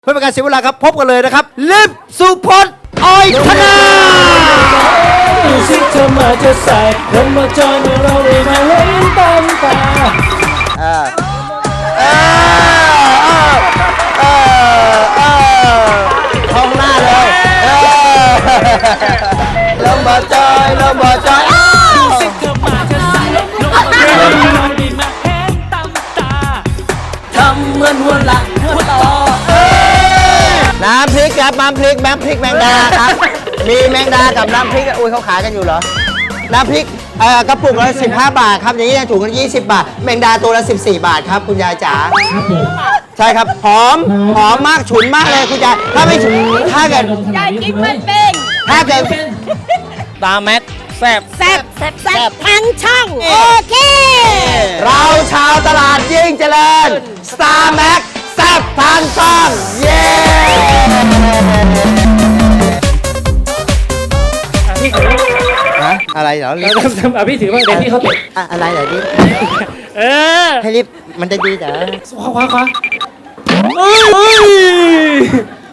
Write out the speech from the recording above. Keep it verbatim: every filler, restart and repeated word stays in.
เพื่อเป็นการเสียเวลาครับพบกันเลยนะครับลิฟสุพจน์อ้อยธนาดูสิเธอมาจะใส่ลงมาจอยเมื่อเราได้มาเห็นตามตาเออเออเออเออท้องหน้าเลยเออลงมาจอยลงมาจอยดูสิเธอมาจะใส่ลงมาจอยเมื่อเราได้มาเห็นตามตาทำเหมือนหัวหลังหัวต่อน้ำพริกครับน้ำพริกน้ำพริกแมงดาครับมีแมงดากับน้ำพริกอุ้ยเขาขายกันอยู่เหรอน้ำพริกเอ่อกระปุกละสิบห้าบาทครับอย่างนี้ถุงละยี่สิบบาทแมงดาตัวละสิบสี่บาทครับคุณยายจ๋าใช่ครับหอมหอมมากฉุนมากเลยคุณยายถ้าไม่ฉุนถ้าเกิดยายกินมันเป็นถ้าเกิดตาแม็กแซ่บแซ่บแซ่บแซ่บทั้งช่องโอเคเราชาวตลาดยิ่งเจริญ Star Max แซ่บทางช่องเย้พี่ถือฮะอะไรเหรอเราทำทำอ่ะพี่ถือว่าเดี๋ยวพี่เขาเตะอะอะไรเหรอดิเออให้รีบมันจะดีเหรอขวาขวาขวา